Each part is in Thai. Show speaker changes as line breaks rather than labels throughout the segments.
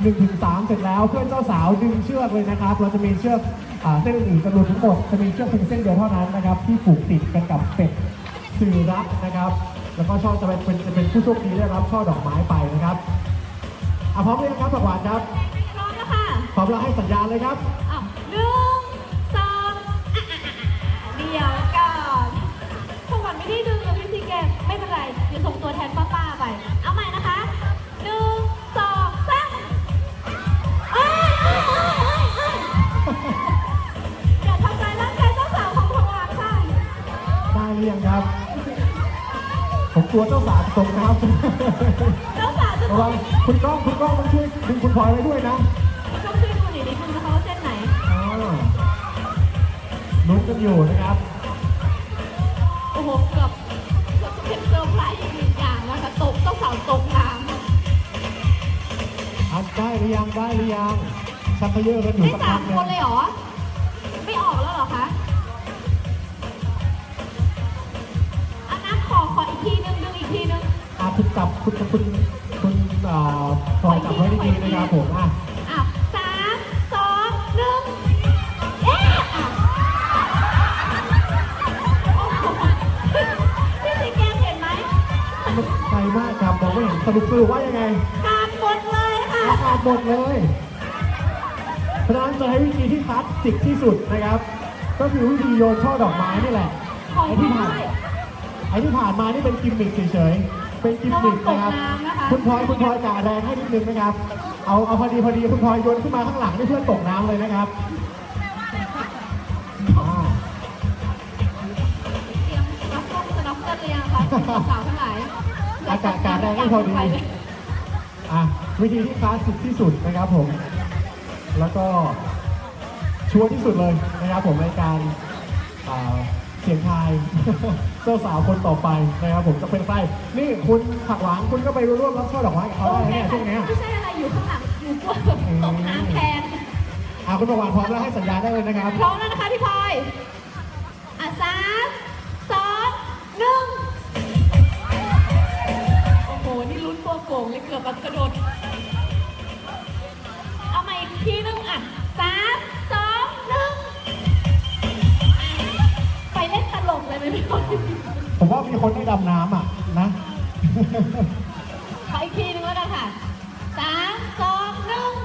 1-3 เสร็จแล้วเพื่อนเจ้าสาวดึงเชือกเลยนะครับเราจะมีเชือกเส้นอื่นๆจำนวนทั้งหมดจะมีเชือกเพียงเส้นเดียวเท่านั้นนะครับที่ผูกติดกันกับเป็ดสื่อรักนะครับแล้วก็ช่อจะเป็นผู้โชคดีได้รับช่อดอกไม้ไปนะครับพร้อมหรือยังครับผักหวานครับ
พร้อมแล้วค่ะ
พร้อมแล้วให้สัญญาณเลยครับ
1 2เดี๋ยวก่อนผักหวานไม่ได้ดึงเลยพี่ซีแกไม่เป็นไรเดี๋ยวส่งตัวแทนป้าๆไปเอาใหม่นะคะ1 2 3อย่าทำร้ายร่างกายเจ้าสาวของผักหวานค่ะ
ได้หรือยังครับผมกลัวเจ้าสาวตกนะครับ
เจ้าสาวจะตก
คุณก้องต้องช่วยดึงคุณพลอยไว้ด้วยนะ
ต้องช่วยดูหน่อยดิคุณจะเขาเส้นไหน
ลุ้นกันอยู่นะครับ
โอ้โหเกือบจะเป็นเซอร์ไพรส์อีกหนึ่งอย่างนะคะตกเจ้าสาวตกน้ำ
ได้หรือยังชักเยอะกันอยู่
สักพักคนเลยเหรอไม่ออกแล้วเหรอคะขออีกทีนึงดึงอีกทีนึง
คุณจับคุณพลอยจับไว้ดีๆนะครับผม
3 2 1พี่สีแกเห็นไหม
ไกลมากครับมองไม่เห็นสรุปว่ายังไง
ขาดหมดเลยค่ะ
ขาดหมดเลยเพราะฉะนั้นจะให้วิธีที่คลาสสิกที่สุดนะครับก็คือวิธีโยนช่อดอกไม้นี่แหละไอ้ที่ผ่านมานี่เป็นกิมมิคเฉยๆเป็นกิมมิคนะครับคุณพลอยกะแรงให้นิดนึงนะครับเอาพอดีคุณพลอยโยนขึ้นมาข้างหลังให้เพื่อนตกน้ำเลยนะครับ
เตรียมสน็อกเกิลหรือยังคะสาวทั้งหลาย
อากาศแรงให้พอดีวิธีที่คลาสสิกที่สุดนะครับผมแล้วก็ชัวร์ที่สุดเลยนะครับผมในการเสียงทายเจ้าสาวคนต่อไปนะครับผมจะเป็นใครนี่คุณผักหวานคุณก็ไปร่วมรับช่อดอกไม้กับเขาได้เนี่ยช่วงนี้
ไม่ใช่อะไรอยู่ข้างหลังอยู่กลัวตกน้ำแทน
คุณผักหวานพร้อมแล้วให้สัญญาได้เลยนะครับ
พร้อมแล้วนะคะพี่พลอย3 2 1โอ้โหนี่ลุ้นตัวโก่งเลยเกือบแบบกระโดดเอาใหม่อีกทีนึง3 2 1ไปเล่นตลกเลยไหมพี่พลอย
ผมว่ามีคนได้ดำน้ำนะ
ขออีกทีนึงแล้วกันค่ะ3 2 1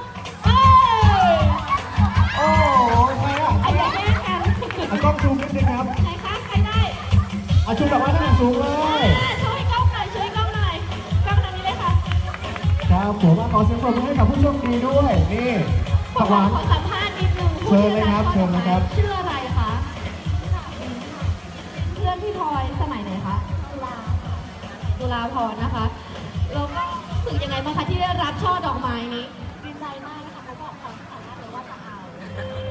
โอ้ใคร
อย่าแย่งกัน
กล้องซูมนิดนึงครับ
ใครคะใครได้
ชูดอกไม้ให้สูงเลย
ช่วยกล้องหน่อยกล้องทางนี้เลยค่ะ
ครับผมขอเสียงปรบมือให้กับผู้โชคดีด้วยนี่ผักหวาน
ขอสัมภาษณ์นิดนึง
เชิญเลยครับชื่อ
อะไรคะเพื่อนพี่พลอยสมัยไหนคะตุลาพรนะคะแล้วก็รู้สึกยังไงบ้างคะที่ได้รับช่อดอกไม้นี้
ดีใจมากนะคะเขาบอกเขาตั้งแต่แรกเลยว่าจะเอา